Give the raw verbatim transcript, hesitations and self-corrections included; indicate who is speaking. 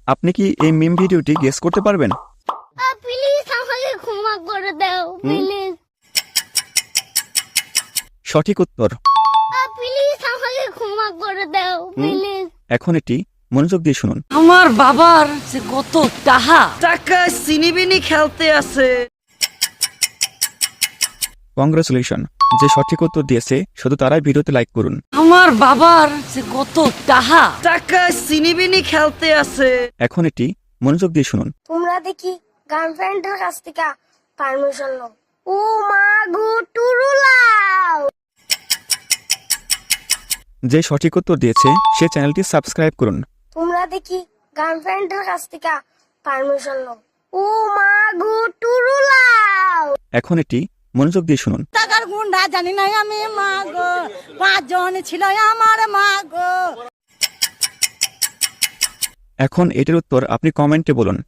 Speaker 1: আপনি কি এই মিম ভিডিওটি গেস করতে পারবেন?
Speaker 2: প্লিজ আমাকে ক্ষমা করে দাও প্লিজ
Speaker 1: সঠিক উত্তর।
Speaker 2: প্লিজ আমাকে ক্ষমা করে দাও প্লিজ
Speaker 1: এখন এটি মনোযোগ দিয়ে শুনুন।
Speaker 3: আমার বাবার যে কত টাহা টাকা সিনিবিনি খেলতে আছে।
Speaker 1: কংগ্রেচুলেশন, যে সঠিক উত্তর দিয়েছে শুধু তারাই ভিডিওতে লাইক করুন।
Speaker 3: আমার বাবার যে কত টাহা টাকা সিনিবিনি খেলতে আছে।
Speaker 1: এখন এটি মনোযোগ দিয়ে শুনুন।
Speaker 2: তোমরা দেখি গার্লফ্রেন্ডের কাছ থেকে পারমিশন নাও। ও মা গো টুরুলাও।
Speaker 1: যে সঠিক উত্তর দিয়েছে সে চ্যানেলটি সাবস্ক্রাইব করুন।
Speaker 2: তোমরা দেখি গার্লফ্রেন্ডের কাছ থেকে পারমিশন নাও। ও মা গো টুরুলাও।
Speaker 1: এখন এটি মনোযোগ দিয়ে শুনুন।
Speaker 3: টাকার গুন্ডা জানি না আমি মা গো, পাঁচজন ছিল আমার মা গো।
Speaker 1: এখন এটির উত্তর আপনি কমেন্টে বলুন।